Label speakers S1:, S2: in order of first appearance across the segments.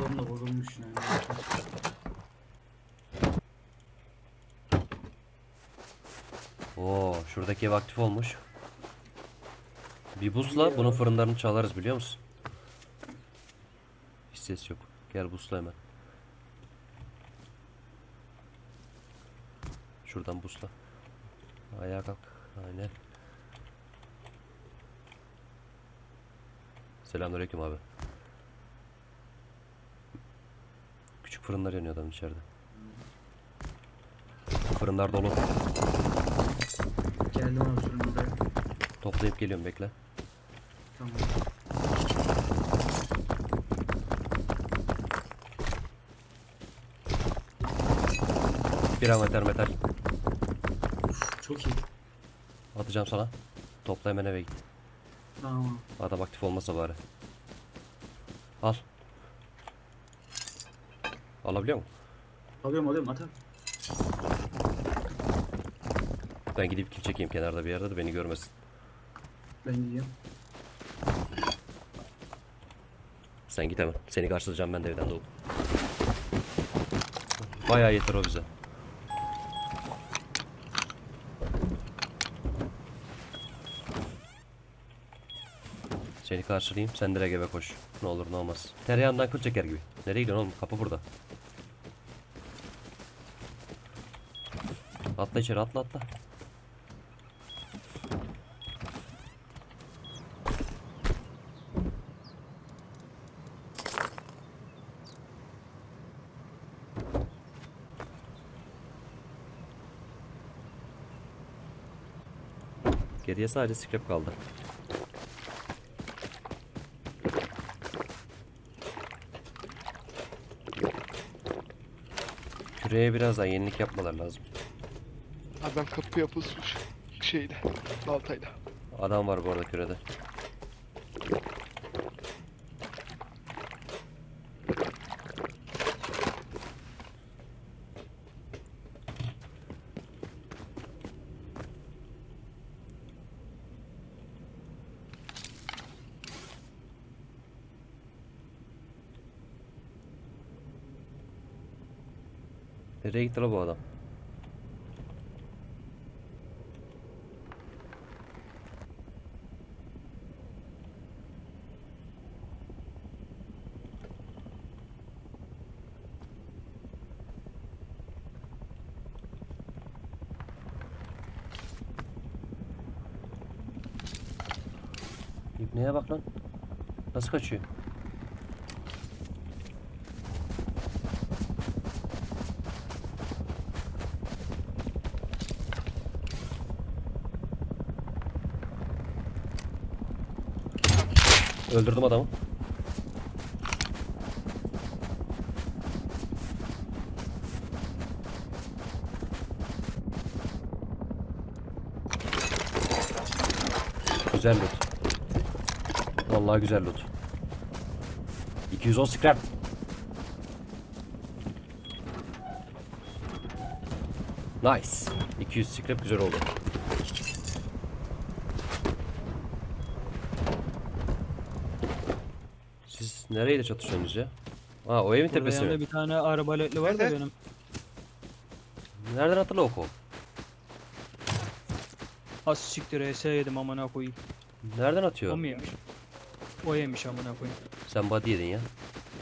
S1: Adam da bozulmuş yani.
S2: Oo, şuradaki ev aktif olmuş. Bir busla bunun fırınlarını çalarız biliyor musun? Hiç ses yok. Gel busla hemen. Şuradan busla. Ayağa kalk. Aynen. Selamünaleyküm abi. Küçük fırınlar yanıyor adam içeride. Fırınlar dolu.
S1: Geldim abi sorun buraya.
S2: Toplayıp geliyorum bekle.
S1: Tamam.
S2: Bir ameter metal.
S1: Çok iyi.
S2: Atacağım sana. Topla hemen eve git.
S1: Tamam.
S2: Adam aktif olmasa bari. Al. Alabiliyor musun?
S1: Alıyorum atar.
S2: Ben gidip kill çekeyim kenarda bir yerde de beni görmesin.
S1: Ben gidiyorum.
S2: Sen git hemen. Seni karşılayacağım ben de evden doğup. Bayağı yeter o bize. Seni karşılayayım. Sen direkt eve koş. Ne olur ne olmaz. Tereyağından kıl çeker gibi. Nereye gidiyorsun oğlum? Kapı burada. Atla içeri atla atla. Geriye sadece scrap kaldı. Küreye biraz daha yenilik yapmalar lazım.
S3: Adam kapı yapılmış şeyle, baltayla.
S2: Adam var bu arada kürede. Nereye gitti la bu adam? İbneye bak lan. Nasıl kaçıyor? Öldürdüm adamı. Güzel loot. Vallahi güzel loot. 210 scrap. Nice. 200 scrap güzel oldu. Siz nereyle çatışıyorsunuz ya? Aa, o evin
S4: Burada
S2: tepesi
S4: yanında
S2: mi?
S4: bir tane arbaletli var da
S3: Evet.
S4: benim.
S2: Nereden hatırla o kol?
S4: Az siktir ES yedim amına koyayım.
S2: Nereden
S4: O
S2: atıyor?
S4: mu yemiş? O yemiş amına koyayım.
S2: Sen body yedin ya.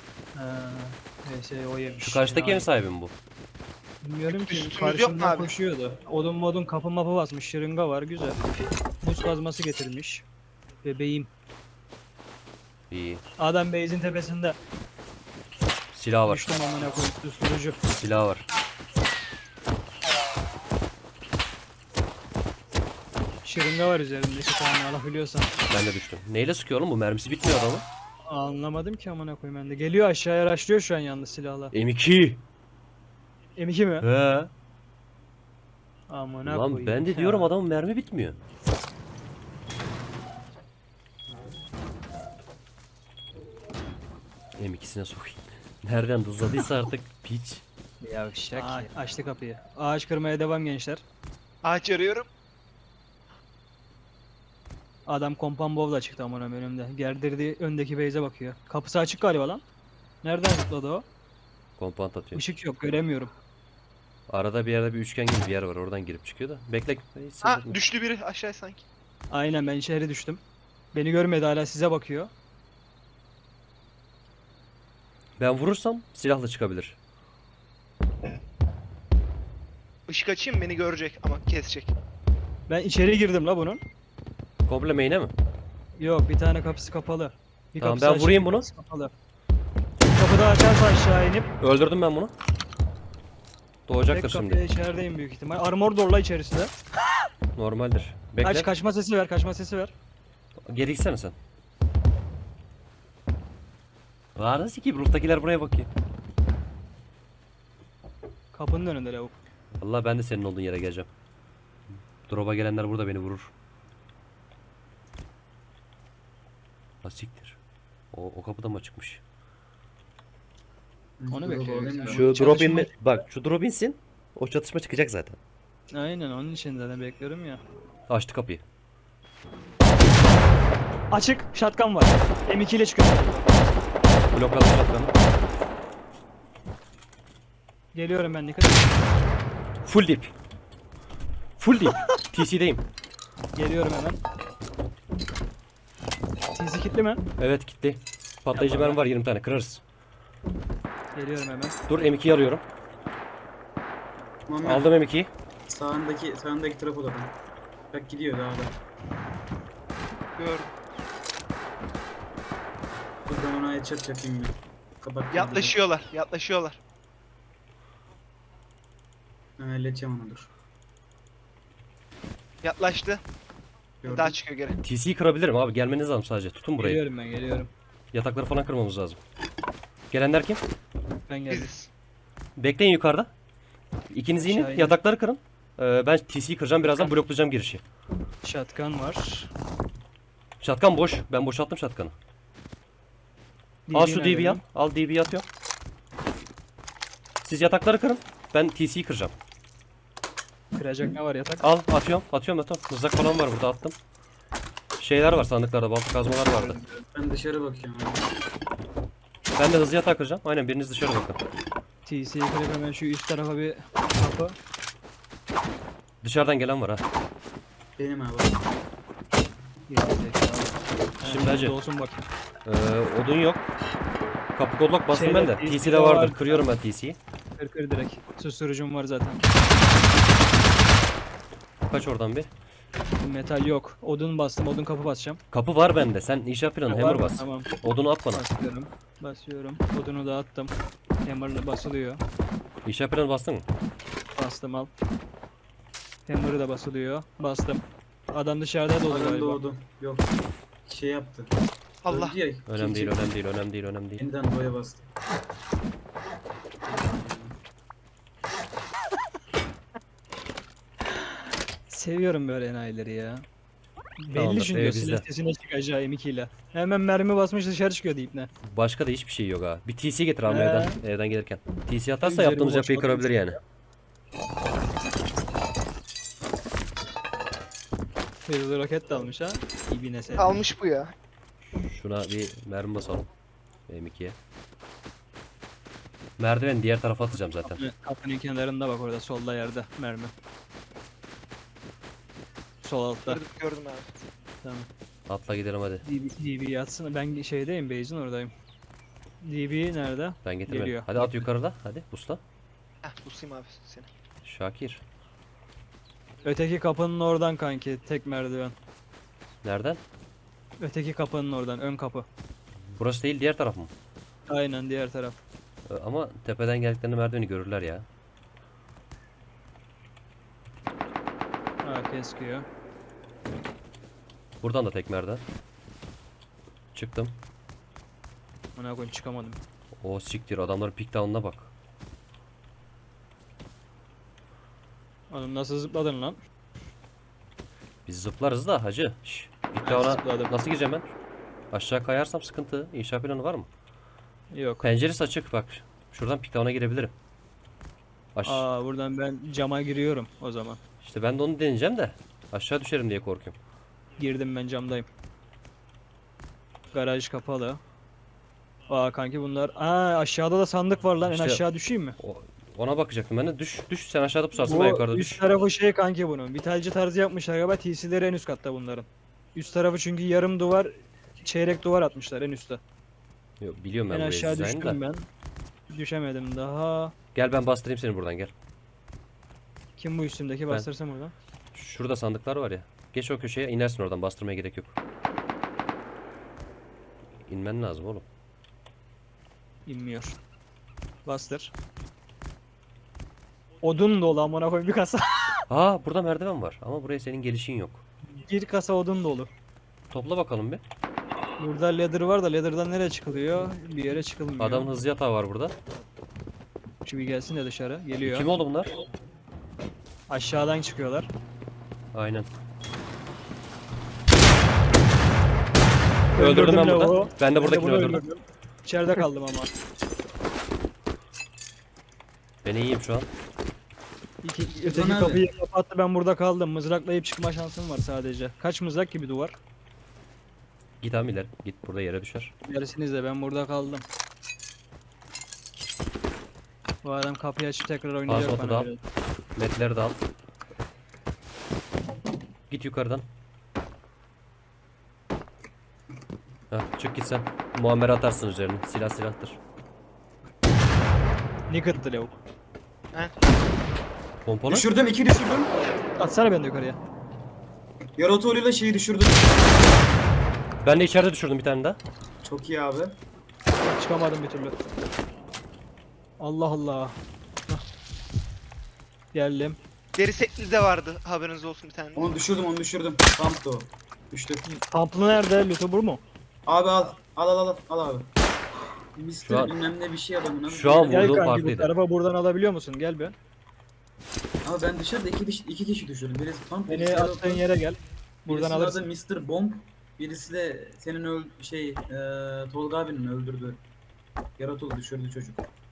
S4: ES o yemiş.
S2: Şu karşıdaki evin sahibi mi bu?
S4: Bilmiyorum ki
S3: Üstümüz yok mu
S4: karşımdan
S3: abi?
S4: koşuyordu. Odun modun kapı mapı basmış, şırınga var güzel. Buz kazması getirmiş. Bebeğim.
S2: İyi.
S4: Adam base'in tepesinde.
S2: Silah var.
S4: Düştüm amına koyayım susturucu.
S2: Silah var.
S4: Şırınga var üzerinde 2 tane alabiliyorsan.
S2: Ben de düştüm. Neyle sıkıyor oğlum bu? Mermisi bitmiyor adamın.
S4: Anlamadım ki amına koyayım ben de. Geliyor aşağıya araştırıyor şu an yalnız silahla.
S2: M2.
S4: M2 mi?
S2: He.
S4: Amına
S2: Lan
S4: koyayım.
S2: ben de
S4: ya.
S2: diyorum adamın mermi bitmiyor. M2'sine sokayım. Nereden hızladıysa artık piç.
S4: Yavşak ya. Açtı kapıyı. Ağaç kırmaya devam gençler.
S3: Ağaç arıyorum.
S4: Adam kompan bovla çıktı amına önümde. Gerdirdi öndeki base'e bakıyor. Kapısı açık galiba lan. Nereden zıpladı o?
S2: Kompant atıyor.
S4: Işık yok, göremiyorum.
S2: Arada bir yerde bir üçgen gibi bir yer var. Oradan girip çıkıyor da. Bekle. Hiç ses
S3: Ha
S2: etme.
S3: düştü biri aşağı sanki.
S4: Aynen, ben içeri düştüm. Beni görmedi, hala size bakıyor.
S2: Ben vurursam silahla çıkabilir.
S3: Işık açayım beni görecek ama kesecek.
S4: Ben içeri girdim la bunun.
S2: Komple main'e mi?
S4: Yok, bir tane kapısı kapalı. Bir
S2: Tamam,
S4: kapısı
S2: ben
S4: açık,
S2: vurayım
S4: bir
S2: bunu.
S4: kapısı kapalı. Kapıda açarsa aşağı inip
S2: Öldürdüm ben bunu. Doğacaktır
S4: tek
S2: şimdi.
S4: kapıya içerideyim büyük ihtimal. Armor dorla içerisinde.
S2: Normaldir. Bekle.
S4: Aç, kaçma sesi ver, kaçma sesi ver.
S2: Geri gitsene sen. Aa, nasıl ki? Roof'takiler buraya bakıyor.
S4: Kapının önünde lavuk.
S2: Vallahi ben de senin olduğun yere geleceğim. Drop'a gelenler burada beni vurur. Asiktir. O kapıda mı çıkmış?
S4: Onu
S1: Dur,
S4: bekliyorum.
S1: alayım da.
S2: Şu
S4: Çatışma-
S2: drop inme... Bak şu drop insin. O çatışma çıkacak zaten.
S4: Aynen, onun için zaten bekliyorum ya.
S2: Açtı kapıyı.
S4: Açık, shotgun var. M2 ile çıkıyor.
S2: Blokladım shotgun'ı.
S4: Geliyorum ben, dikkat et.
S2: Full dip. Full dip. TC'deyim.
S4: Geliyorum hemen. TC kitli mi?
S2: Evet gitti. Patlayıcı
S4: Yapma
S2: mermi var 20 tane kırarız.
S4: Geliyorum hemen.
S2: Dur M2'yi alıyorum.
S1: Muhammed,
S2: Aldım M2'yi.
S1: sağındaki trafo da. Bak gidiyor daha da.
S3: Gördüm.
S1: Dur ben ona headshot yapayım bir. Kapat.
S3: Yaklaşıyorlar.
S1: Ben halledeceğim onu, dur.
S3: Yaklaştı.
S1: Gördüm.
S3: Daha çıkıyor geri.
S2: TC'yi kırabilirim abi, gelmeniz lazım sadece. Tutun burayı.
S4: Geliyorum ben, geliyorum.
S2: Yatakları falan kırmamız lazım. Gelenler kim?
S4: Ben geldim.
S3: Biziz.
S2: Bekleyin yukarıda. İkiniz inin,
S4: Aşağı inin.
S2: yatakları kırın. Ben TC'yi kıracağım, birazdan bloklayacağım girişi.
S4: Shotgun var.
S2: Shotgun boş. Ben boşalttım shotgun'ı. Al şu DB'yi al. Al DB'yi atıyorum. Siz yatakları kırın. Ben TC'yi kıracağım.
S4: Kıracak ne var yatak?
S2: Al atıyorum. Atıyorum. Mızrak falan var burada, attım. Şeyler var sandıklarda, balta kazmalar vardı.
S1: Ben dışarı bakıyorum abi.
S2: Ben de hızlı yatağı kıracağım. Aynen, biriniz dışarı bakın.
S4: TC'yi kırıp hemen şu üst tarafa bir kapı.
S2: Dışarıdan gelen var ha.
S1: Benim abi.
S4: Gerizekalı.
S2: Şimdi
S4: Ha,
S2: hacı.
S4: olsun bak.
S2: Odun yok. Kapı kodlok bastım
S4: Şeyde,
S2: ben de.
S4: TC'de
S2: TC'de vardır.
S4: vardı.
S2: Kırıyorum ben TC'yi.
S4: Kır direkt. Susturucum var zaten.
S2: Kaç oradan bir.
S4: Metal yok. Odun bastım. Odun kapı basacağım.
S2: Kapı var bende. Sen inşaat planı
S4: Var
S2: hammer
S4: mı?
S2: bas.
S4: Tamam.
S2: Odunu at bana.
S4: Basıyorum. Basıyorum. Odunu da attım. Hammer'la basılıyor.
S2: İnşaat planı bastın mı?
S4: Bastım, al. Hammer'ı da basılıyor. Bastım. Adam dışarıda dolu
S1: Adam
S4: galiba.
S1: doğdu. Yok. Şey yaptı.
S3: Allah.
S1: Öldü ya,
S2: Önemli değil,
S1: çekti.
S2: önemli değil.
S1: Yeniden boya bastı.
S4: Seviyorum böyle enayileri ya. Belli
S2: Tamamdır,
S4: çünkü
S2: bizde.
S4: sesine çıkacağı M2 ile. Hemen mermi basmış dışarı çıkıyor deyip ne.
S2: Başka da hiçbir şey yok ha. Bir TC getir abi evden gelirken. TC atarsa
S4: Üzerimi
S2: yaptığımız yapıyı
S4: boşaltmış.
S2: kırabilir yani.
S4: Hızlı roket de almış ha. İbine sen.
S3: Almış bu ya.
S2: Şuna bir mermi basalım. M2'ye. Merdiven diğer tarafa atacağım zaten.
S4: Kapının kenarında bak, orada solda yerde mermi. Sol altta.
S3: Gördüm abi.
S4: Tamam.
S2: Atla gidelim hadi.
S4: DB yatsın. Ben şeydeyim, base'in oradayım. DB nerede?
S2: Ben getirmedim.
S4: Geliyor.
S2: Hadi at yukarıda. Hadi busla.
S3: Heh busayım abi seni.
S2: Şakir.
S4: Öteki kapının oradan kanki, tek merdiven.
S2: Nereden?
S4: Öteki kapının oradan, ön kapı.
S2: Burası değil, diğer taraf mı?
S4: Aynen, diğer taraf.
S2: Ama tepeden geldiklerinde merdiveni görürler ya.
S4: Ha, keskiyor.
S2: Buradan da tek merdiven. Çıktım.
S4: Ona koyayım, çıkamadım.
S2: O siktir, adamların pick down'una bak.
S4: Oğlum nasıl zıpladın lan?
S2: Biz zıplarız da hacı. Şş, pick
S4: Ben
S2: down'a
S4: zıpladım.
S2: nasıl gireceğim ben? Aşağı kayarsam sıkıntı. İnşaat planı var mı?
S4: Yok.
S2: Penceresi açık bak. Şuradan pick down'a girebilirim.
S4: Aa, buradan ben cama giriyorum o zaman.
S2: İşte ben de onu deneyeceğim de. Aşağı düşerim diye korkuyorum.
S4: Girdim, ben camdayım. Garaj kapalı. Aa kanki bunlar. Aa aşağıda da sandık var lan.
S2: İşte-
S4: En aşağı düşeyim mi?
S2: Ona bakacaktım ben de. Düş sen aşağıda pusarsın, ben
S4: Bu
S2: yukarıda
S4: üst
S2: düş.
S4: tarafı şey kanki bunun. Vitalci tarzı yapmışlar galiba. TC'leri en üst katta bunların. Üst tarafı çünkü yarım duvar, çeyrek duvar atmışlar en üstte.
S2: Yok, biliyorum ben
S4: En
S2: burayı
S4: aşağı
S2: dizaynı da.
S4: düştüm ben. Düşemedim daha.
S2: Gel ben bastırayım seni buradan, gel.
S4: Kim bu üstümdeki? Bastırsam oradan.
S2: Şurada sandıklar var ya. Geç o köşeye, inersin oradan, bastırmaya gerek yok. İnmen lazım oğlum.
S4: İnmiyor. Bastır. Odun dolu amına koyayım bir kasa.
S2: Aa, burada merdiven var ama buraya senin gelişin yok.
S4: Bir kasa odun dolu.
S2: Topla bakalım bir.
S4: Burada ladder var da ladder'dan nereye çıkılıyor? Bir yere çıkılmıyor.
S2: Adamın hızlı yatağı var burada.
S4: Şu bir gelsin de dışarı. Geliyor.
S2: Kim oldu bunlar?
S4: Aşağıdan çıkıyorlar.
S2: Aynen. Öldürdüm ben burada.
S4: lavuğu.
S2: Ben de
S4: Ben
S2: buradakini
S4: bunu
S2: öldürdüm.
S4: öldürdüm. İçeride kaldım ama.
S2: Ben iyiyim şu an.
S4: Öteki
S1: abi.
S4: kapıyı kapattı, ben burada kaldım. Mızraklayıp çıkma şansım var sadece. Kaç mızrak gibi duvar?
S2: Git abi ileri. Git, burada yere düşer.
S4: Gerisiniz de ben burada kaldım. Bu adam kapıyı açıp tekrar oynayacak
S2: Pasmatı da
S4: bana
S2: al.
S4: göre.
S2: Metleri de al. Git yukarıdan. Heh, çık git sen. Muammer atarsın üzerine. Silah silahtır.
S4: Nickettı lavuk.
S2: Pompalı.
S1: Düşürdüm, 2 düşürdüm.
S4: Atsana beni de yukarıya.
S1: Yaratoğlu'yla şeyi düşürdüm.
S2: Ben de içeride düşürdüm bir tane daha.
S1: Çok iyi abi.
S4: Çıkamadım bir türlü. Allah Allah. Hah. Geldim.
S3: Deri setli de vardı, haberiniz olsun bir tane.
S1: Onu düşürdüm, onu düşürdüm. Pump'tı o. Düştü.
S4: Pamplı nerede? Lütubur mu?
S1: Abi al. Al abi.
S2: Şu an-
S1: Mister bilmem ne bir şey adamın.
S2: Şu an
S4: Gel
S2: vurduğum
S4: kanki bu
S2: farklıydı.
S4: tarafa buradan alabiliyor musun? Gel be.
S1: Ama ben dışarıda iki kişi düşürdüm. Birisi pump, birisi
S4: Beni attığın
S1: Yaratoğlu.
S4: yere gel. Buradan
S1: Birisinin
S4: alırsın.
S1: adı Mr. Bomb. Birisi de senin Tolga abinin öldürdü. Yaratoğlu düşürdü çocuk.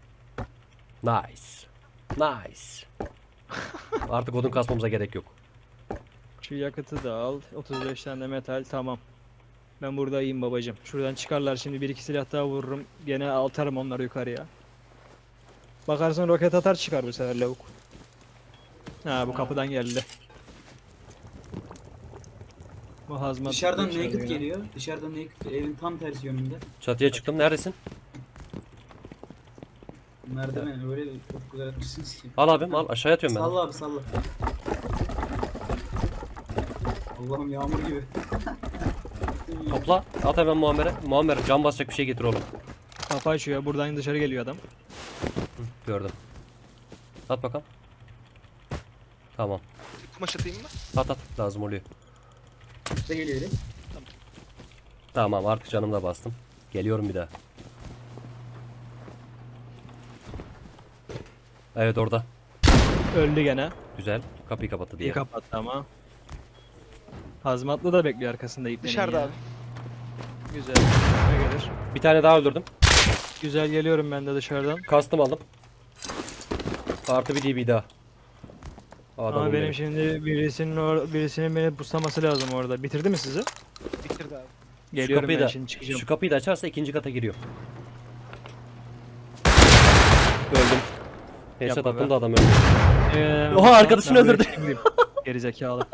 S2: Nice. Nice. Artık odun kasmamıza gerek yok.
S4: Şu yakıtı da al. 35 tane de metal, tamam. Ben burada iyiyim babacım. Şuradan çıkarlar şimdi, bir iki silah daha vururum. Gene atarım onları yukarıya. Bakarsın roket atar çıkar bu sefer lavuk. Ha bu kapıdan geldi. Bu hazmat.
S1: Dışarıdan
S4: içeride
S1: naked
S4: yine.
S1: geliyor. Dışarıdan naked evin tam tersi yönünde.
S2: Çatıya çıktım. Neredesin?
S1: Merdiven öyle çok güzel etmişsiniz ki.
S2: Al abim al. Aşağıya atıyorum ben.
S1: Salla abi salla. Allah'ım yağmur gibi.
S2: Topla. At hemen Muammer'e. Muammer can basacak bir şey getir oğlum.
S4: Kapı açıyor. Buradan dışarı geliyor adam.
S2: Gördüm. At bakalım. Tamam.
S3: Kumaş atayım mı?
S2: At lazım oluyor.
S1: Üste geliyor direkt.
S2: Tamam, artık canımı da bastım. Geliyorum bir daha. Evet, orada.
S4: Öldü gene.
S2: Güzel. Kapıyı kapattı diye.
S4: İyi kapattı ama. Hazmatlı da bekliyor arkasında iplerin
S3: Dışarıda
S4: ya.
S3: abi.
S4: Güzel. Ne gelir?
S2: Bir tane daha öldürdüm.
S4: Güzel, geliyorum ben de dışarıdan.
S2: Kastım aldım. Artı bir DB daha. Adamım
S4: Ama benim
S2: benim.
S4: şimdi birisinin beni buslaması lazım orada. Bitirdi mi sizi?
S3: Bitirdi abi.
S4: Geliyorum
S2: kapıyı
S4: ben
S2: da-
S4: şimdi çıkacağım.
S2: Şu kapıyı da açarsa ikinci kata giriyor. Öldüm. Headshot
S4: Yapma
S2: attım
S4: be.
S2: da adam öldü.
S4: Oha,
S2: arkadaşını öldürdü.
S4: Gerizekalı.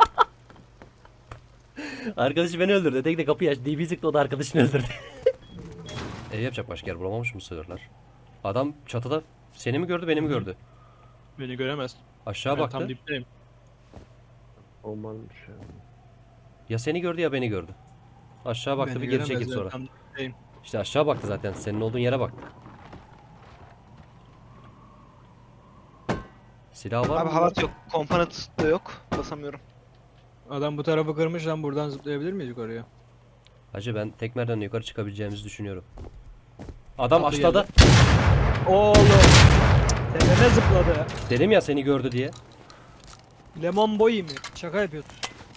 S2: Arkadaşı beni öldürdü. Tek de kapıyı aç. DB sıktı, o da arkadaşını öldürdü. Yapacak başka yer bulamamış mı söylerler? Adam çatıda seni mi gördü, beni mi gördü?
S4: Beni göremez.
S2: Aşağı
S4: Ben
S2: baktı.
S4: tam dipteyim.
S5: Olmamış ya.
S2: Ya seni gördü ya beni gördü. Aşağı baktı,
S4: Beni
S2: bir geri
S4: göremez,
S2: çekildi
S4: ben
S2: sonra.
S4: tam dipteyim.
S2: İşte aşağı baktı zaten. Senin olduğun yere baktı. Silah var
S3: Abi
S2: mı?
S3: halat yok. Komponent da yok. Basamıyorum.
S4: Adam bu tarafı kırmış lan, buradan zıplayabilir miyiz yukarıya?
S2: Hacı, ben tek merdivenden yukarı çıkabileceğimizi düşünüyorum. Adam
S4: Kapı
S2: aşağıda.
S4: Oğlum! Tepeme zıpladı.
S2: Dedim ya seni gördü diye.
S4: Lemon boy mi? Şaka yapıyorsun.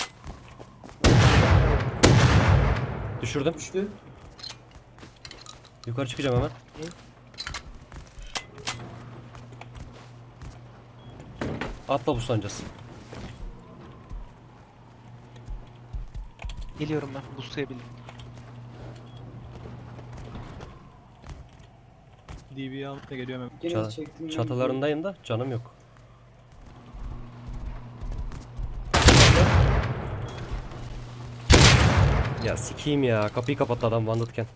S2: Düşürdüm.
S1: Düştü.
S2: Yukarı çıkacağım hemen. Atla buslancası.
S3: Geliyorum ben. Buslayabildim.
S4: DB'yi almaya geliyorum hemen.
S1: Gene
S2: Ça-
S1: çektim.
S2: Çatılarındayım da canım yok. Ya sikeyim ya. Kapıyı kapattı adam vandalken.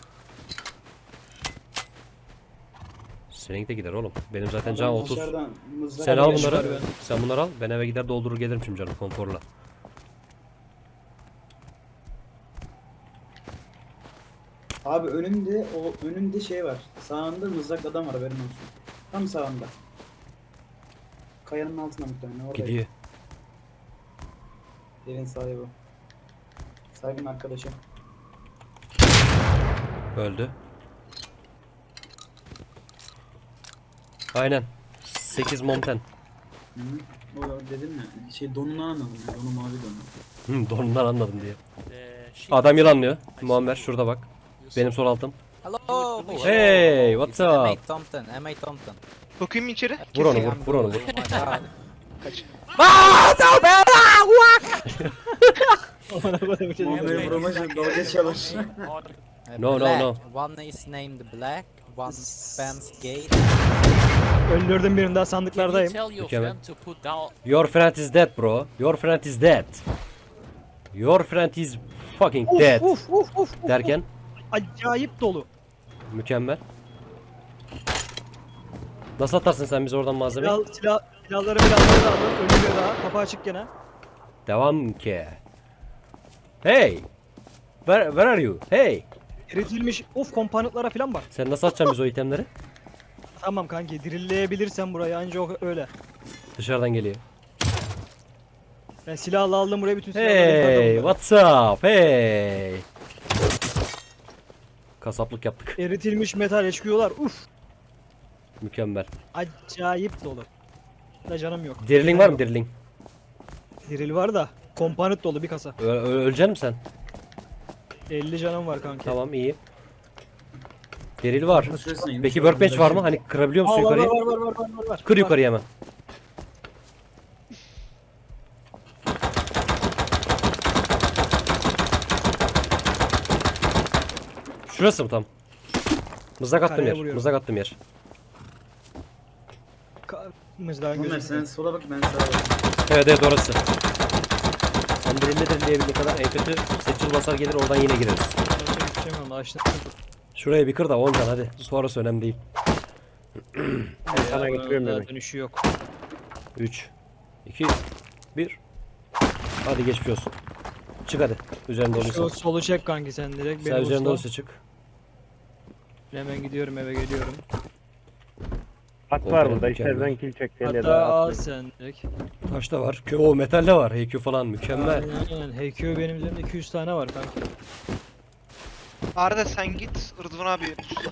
S2: Seninki de gider oğlum. Benim zaten can 30.
S1: Dışarıdan mızrak
S2: Sen al
S4: beş
S2: bunları.
S4: var ben.
S2: Sen bunları al. Ben eve gider doldurur gelirim şimdi canım konforla.
S1: Abi önümde şey var. Sağında mızrak adam var haberin olsun. Tam sağında. Kayanın altına muhtemelen orada.
S2: Gidiyor.
S1: Evin sahibi. Sahibinin arkadaşı.
S2: Öldü. Aynen. 8 monten.
S1: Hı -hı. O dedim ya. Şey donunu anladım ya. Donu mavi donu.
S2: Donundan anladım diye. Adam yılanlıyor. Muammer şurada bak. Benim sol altım.
S5: Hello.
S2: Hey, what's
S5: It's M8
S2: up?
S5: Thompson. M8 Thompson.
S3: Sokayım mı içeri?
S2: Vur onu
S3: Keseyim.
S2: vur. Vur onu vur.
S5: Oh my god.
S3: Kaç.
S4: Aman Allah'ım, bir şey
S1: Muammer'i
S4: diyeyim.
S1: vuramacı dalga çalar.
S2: No, no,
S5: Black.
S2: no.
S5: One is named Black. One spams gate.
S4: Öldürdüm birini daha sandıklardayım.
S2: Mükemmel. Your friend is dead bro. Your friend is dead. Your friend is fucking dead.
S4: Uf.
S2: Derken
S4: Acayip dolu.
S2: mükemmel. Nasıl atarsın sen bize oradan malzemeyi?
S4: Silahları da aldım. Ölüyor daha. Kapı açık gene.
S2: Devam ki. Hey. Where are you? Hey.
S4: Eritilmiş. Kompanıtlara falan bak.
S2: Sen nasıl atacaksın biz o itemleri?
S4: Tamam kanki, dirilleyebilirsen burayı anca öyle.
S2: Dışarıdan geliyor.
S4: Ben silahla aldım buraya, bütün silahları
S2: Hey,
S4: yukarıda
S2: what's up? Hey. Kasaplık yaptık.
S4: eritilmiş metal çıkıyorlar. Uf.
S2: Mükemmel.
S4: Acayip dolu. Da canım yok.
S2: Diriling var mı diriling?
S4: Diril var da kompanıt dolu bir kasa.
S2: Öleceksin mi sen?
S4: 50 canım var kanki.
S2: Tamam iyi. Diril var.
S1: Şurasına inmiş.
S2: Peki workbench var mı? Hani kırabiliyor musun
S4: Var,
S2: yukarıyı?
S4: var.
S2: Kır yukarıya hemen. Şurası mı tam? Mızrak attım
S4: Kareye
S2: yer.
S4: vuruyorum.
S2: Mızrak attım yer.
S4: Mızrağın
S1: Muammer
S4: gözü.
S1: sen sola bak ben sağa bak.
S2: Evet evet orası. Sen dirilleyebildiğin kadar en kötü seçil basar gelir oradan yine gireriz.
S4: Açtım.
S2: Şuraya bir kır da 10 can hadi. Sonrası önemli değil.
S4: Sana getiriyorum dönüşü yok.
S2: 3 2 1 Hadi geçmiş olsun. Çık hadi. Üzerinde
S4: Şu
S2: olursa.
S4: solu çek kanki sen direkt.
S2: Sen
S4: Benim
S2: üzerinde
S4: usta.
S2: olursa çık.
S4: Hemen gidiyorum, eve geliyorum.
S6: At
S2: O
S6: var
S2: benim
S6: burada.
S2: mükemmel.
S6: İstersen kill çek.
S4: Hatta al sen direkt.
S2: Taş da var. O metal de var. HQ falan mükemmel.
S4: Aynen. HQ benim üzerimde 200 tane var kanki.
S3: Arda sen git Rıdvan abi yönetsin.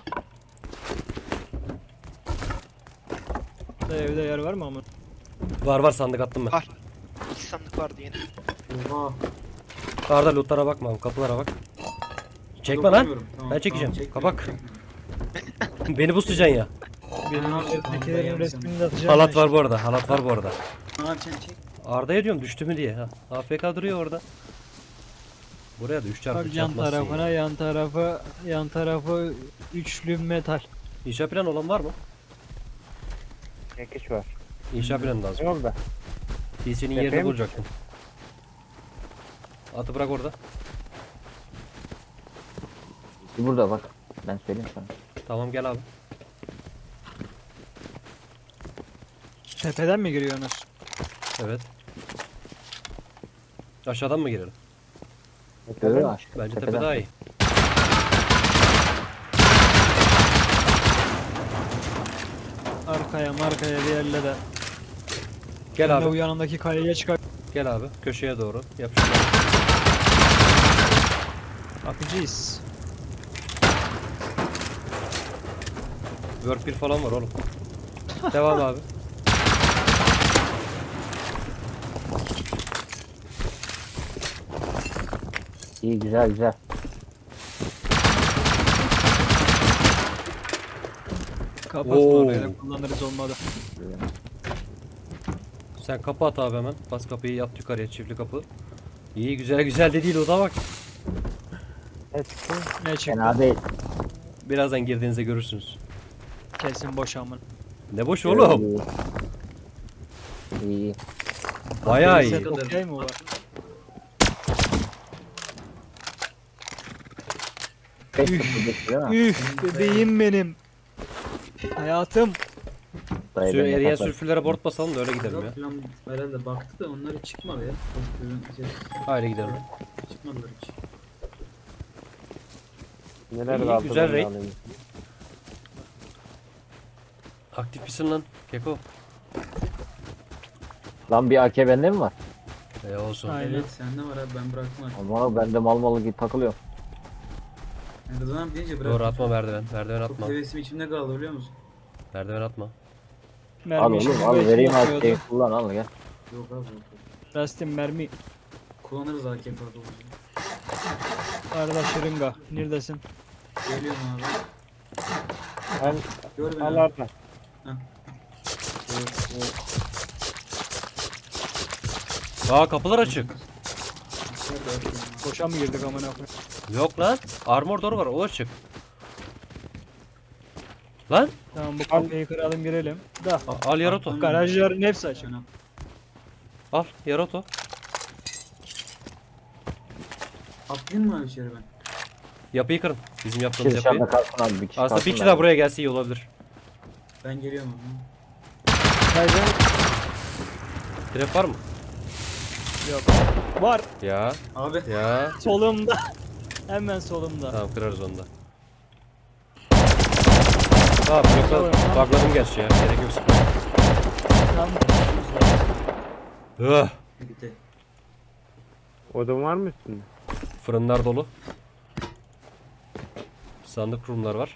S4: Da evde yer var mı ama?
S2: Var sandık attım ben.
S3: Var. 2 sandık vardı yine.
S1: Oha.
S2: Arda lootlara bakma, kapılara bak. Çekme lan.
S1: Dokunmuyorum. Tamam,
S2: Ben çekeceğim.
S1: çekmiyorum,
S2: Kapak.
S1: çekmiyorum.
S2: Beni boostlayacaksın ya.
S4: Benim
S1: abi,
S4: üzerimdekilerin
S1: tamam,
S4: resmini de atacağım.
S2: Halat
S4: ben
S2: var
S4: şimdi.
S2: bu arada. Halat var bu arada.
S1: Ne yapacaksın çek.
S2: Arda'ya diyorum düştü mü diye. Ha. AFK duruyor orada. Buraya da 3 çarpı
S4: Bak yan
S2: çarpmazsın
S4: tarafına,
S2: ya.
S4: yan tarafı üçlü metal.
S2: İnşa planı olan var mı?
S6: Çekiş var.
S2: İnşa planı lazım.
S6: Yok da.
S2: PC'nin
S6: Yapayım
S2: yerini
S6: mı?
S2: bulacaktım. Atı bırak orada.
S7: Burada bak. Ben söyleyeyim sana.
S2: Tamam gel abi.
S4: Tepeden mi giriyorsunuz?
S2: Evet. Aşağıdan mı girelim?
S7: Görüyor musun?
S2: Bence tepe
S7: Tepeden.
S2: daha iyi.
S4: Arkaya markaya bir yerle de.
S2: Gel
S4: Ben de
S2: abi.
S4: bu yanındaki kayaya çıkar.
S2: Gel abi. Köşeye doğru. Yapıştır.
S4: Akıcıyız.
S2: Work 1 falan var oğlum. Devam abi.
S7: İyi, güzel güzel.
S4: Kapatma
S2: Oo.
S4: oraya, kullanırız olmadı.
S2: Sen kapı at abi hemen. Bas kapıyı yat yukarıya çiftli kapı. İyi güzel de değil o da bak.
S7: Evet çıktı.
S4: Ne çıktı?
S7: Fena değil.
S2: Birazdan girdiğinizde görürsünüz.
S4: Kesin boş amın.
S2: Ne boş oğlum.
S7: İyi. İyi.
S2: Bayağı iyi.
S4: Set okey mi var?
S7: Beş sıfır geçti değil mi?
S4: Üf bebeğim benim. Hayatım.
S7: Dayı
S2: Şu
S7: beni
S2: eriyen
S7: takar.
S2: sürfülere board basalım da öyle gidelim ya.
S1: Azat falan herhalde baktı da onları çıkmadı ya.
S2: Haydi gidelim.
S1: Çıkmadılar hiç.
S6: Neler
S2: İyi,
S6: kaldı
S2: güzel
S6: ben de
S2: raid.
S6: alayım.
S2: Aktif misin lan Keko?
S7: Lan bir AK bende mi var?
S2: Olsun.
S4: Aynen.
S1: Evet sende var abi ben bıraktım artık.
S7: Ama bende mal malı gibi takılıyor.
S1: Yani Rıdvan abi deyince bıraktım.
S2: Doğru atma merdiven. Merdiven
S1: Çok
S2: atma.
S1: hevesim içimde kaldı biliyor musun?
S2: Merdiven atma.
S7: Al
S4: Mermi
S7: oğlum
S4: işi
S7: al
S4: beş
S7: vereyim
S4: yapıyordu.
S7: AK'yi kullan al gel.
S1: Yok abi yok.
S4: Rastim mermi.
S1: Kullanırız AK farklı olunca.
S4: Arada şırınga. Neredesin?
S1: Geliyorum abi.
S6: Al,
S1: Gör beni
S6: al
S1: abi.
S6: Arda.
S2: Aa kapılar açık.
S1: İçeride atıyorum abi.
S4: Boşa mı girdik amına koyayım?
S2: Yok lan. Armor door var. O açık. Lan
S4: Tamam bu kapıyı kıralım girelim. Da.
S2: al Yaroto.
S4: Garajların hepsi açık.
S1: Şuna.
S2: Al Yaroto.
S1: Atlayayım mı abi içeri ben?
S2: Yapıyı kırın. Bizim
S7: Bir
S2: yaptığımız
S7: dışarıda
S2: yapıyı.
S7: kalsın abi bir kişi
S2: Aslında bir
S7: kalsın
S2: kişi
S7: da.
S2: daha buraya gelse iyi olabilir.
S1: Ben geliyorum abi.
S4: Garajlar
S2: Trap var mı?
S4: yok. Var.
S2: Ya.
S1: Abi
S2: Ya.
S4: Solumda. Hemen solumda.
S2: Tamam kırarız onu da. Tamam yoksa bugladım gerçi ya. Gerek yok sıkıntı.
S4: Tamam.
S1: gitti.
S6: Odun var mı üstünde?
S2: Fırınlar dolu. Sandık kurumlar var.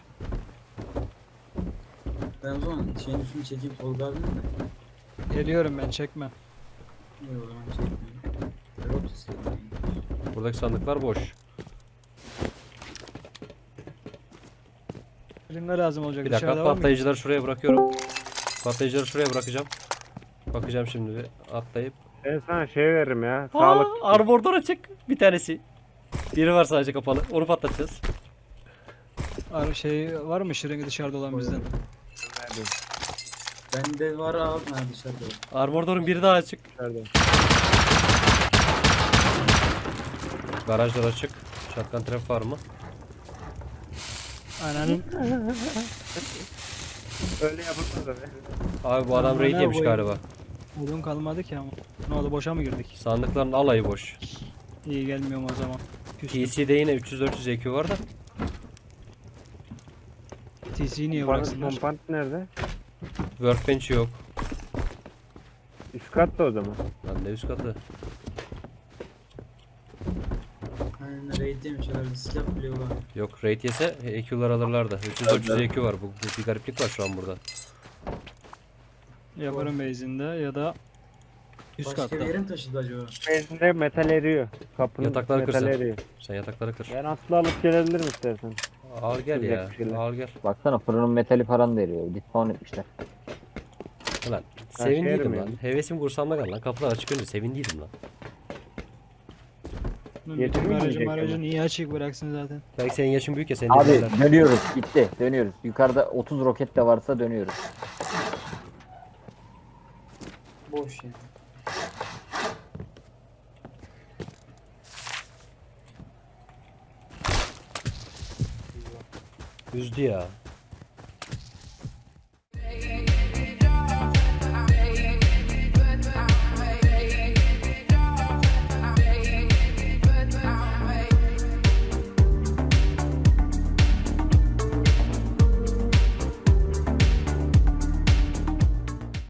S1: Ben o zaman şeyin üstünü çekeyim Tolga abinin de.
S4: Geliyorum ben çekme.
S1: İyi o zaman çekmeyeyim. Rot istedim.
S2: Buradaki sandıklar boş.
S4: Şırınga lazım olacak.
S2: Bir dakika
S4: Dışarıda var mı?
S2: patlayıcıları şuraya bırakıyorum. Patlayıcıları şuraya bırakacağım. Bakacağım şimdi bir atlayıp.
S6: Ben sana şey veririm ya. Sağlık.
S2: Armor door açık. Bir tanesi. Biri var sadece kapalı. Onu patlatacağız.
S4: Şey var mı şırınga dışarıda olan bizden?
S1: Bende var abi ha dışarıda. var.
S2: Armor door'un biri daha açık.
S6: Nerede?
S2: Garajlar açık. Shotgun trap var mı?
S4: Ananın.
S6: Öyle yapılmaz abi.
S2: Abi bu adam
S4: Aman
S2: raid
S4: ne
S2: yemiş
S4: koyayım.
S2: galiba.
S4: Odun kalmadı ki ama. Ne oldu boşa mı girdik?
S2: Sandıkların alayı boş.
S4: İyi gelmiyorum o zaman. Küstüm.
S2: PC'de yine 300-400 EQ var da.
S4: TC'yi niye
S6: Pompant,
S4: bıraksınlar?
S6: pompant nerede?
S2: Workbench yok.
S6: Üst katta o zaman.
S2: Lan ne üst katı.
S1: Aynen raid demiş herhalde silah bile var.
S2: Yok raid yese EQ'lar alırlardı. 300-400 EQ var. Bu bir gariplik var şu an burada.
S4: Yaparım base'inde ya da üst
S1: Başka
S4: katta.
S1: bir yere mi taşıdı acaba?
S6: Benzinde metal eriyor. Kapının
S2: Yatakları
S6: metal
S2: kırsın.
S6: eriyor.
S2: Sen yatakları kır.
S6: Ben aslında alıp gelebilirim istersen.
S2: Al gel ya.
S6: Sıcak bir şeyler.
S2: Al gel.
S7: Baksana fırının metali falan da eriyor. Dispown etmişler.
S2: Ulan
S6: şey
S2: sevindiydim
S6: yerim
S2: lan.
S6: yani.
S2: Hevesim kursamda kaldı lan. Kapılar açık önce sevindiydim lan.
S4: Bütün
S6: Yedirmeyecek
S4: aracı
S6: ama.
S4: niye açık bıraksın zaten?
S2: Belki senin yaşın büyük ya seni
S7: Abi
S2: dinlerler.
S7: dönüyoruz bitti dönüyoruz. Yukarıda 30 roket de varsa dönüyoruz.
S1: Boş yani.
S2: Üzdü ya.